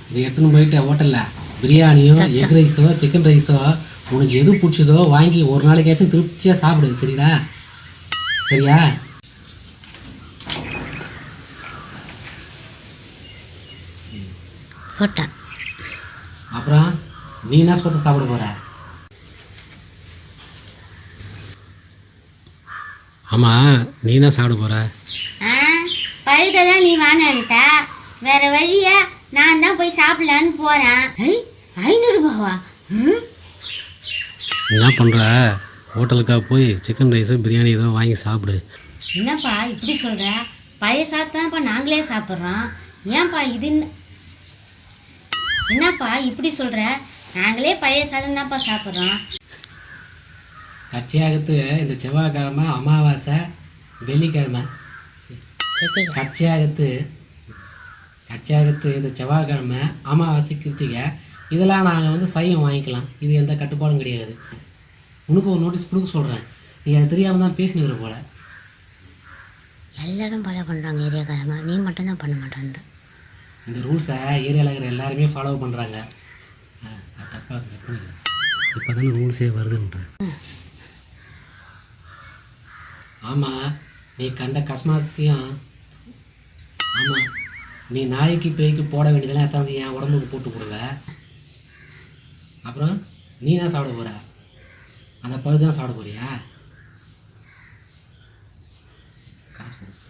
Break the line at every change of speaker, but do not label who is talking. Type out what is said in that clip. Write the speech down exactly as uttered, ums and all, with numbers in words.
இதை எடுத்துன்னு போயிட்டு ஹோட்டலில் பிரியாணியோ எக் ரைஸோ சிக்கன் ரைஸோ உனக்கு எது பிடிச்சதோ வாங்கி ஒரு நாளைக்காச்சும் திருப்தியாக சாப்பிடு. சரிடா? சரியா?
போட்டா
அப்புறம் நீ என்ன சொத்தை சாப்பிட போகிற? ஆமாம், நீ என்ன சாப்பிட போகிற?
பழுதான் நீ வாங்கிட்ட, வேற வழியா நான் தான் போய் சாப்பிடலான்னு போகிறேன். ஐநூறுரூபாவா?
என்ன பண்ணுற? ஹோட்டலுக்காக போய் சிக்கன் ரைஸு பிரியாணி ஏதோ வாங்கி சாப்பிடு.
என்னப்பா இப்படி சொல்கிற? பழைய சாப்பிட்டாப்பா நாங்களே சாப்பிட்றோம். ஏன்ப்பா இது என்னப்பா இப்படி சொல்கிற? நாங்களே பழைய சாதம் தான்ப்பா சாப்பிட்றோம்.
கட்சியாகத்து இந்த செவ்வாய்க்கிழமை அமாவாசை வெள்ளிக்கிழமை கட்சியாகத்து கட்சியாகத்து இந்த செவ்வாய்க்கிழமை அமாவாசை கிருத்திகை இதெல்லாம் நாங்கள் வந்து சையம் வாங்கிக்கலாம். இது எந்த கட்டுப்பாடும் கிடையாது. உனக்கு ஒரு நோட்டீஸ் கொடுக்க சொல்கிறேன். நீ அது தெரியாமல் தான் பேசினுக்கிற போல.
எல்லோரும் ஃபாலோ பண்ணுறாங்க ஏரியாக்காரங்க, நீ மட்டும்தான் பண்ண மாட்டேன்ற.
இந்த ரூல்ஸை ஏரியாவில் இருக்கிற எல்லாருமே ஃபாலோ பண்ணுறாங்க. அது தப்பாக இப்போ தானே ரூல்ஸே வருதுன்றேன். ஆமாம், நீ கண்ட கஸ்மாசியம். ஆமாம், நீ நாய்க்கு பேய்க்கு போட வேண்டியதெல்லாம் எத்தாந்து என் உடம்புக்கு போட்டு கொடுவ. அப்புறம் நீ என்ன சாப்பிட போகிற? அந்த பழுதான் சாப்பிட போறியா? காசு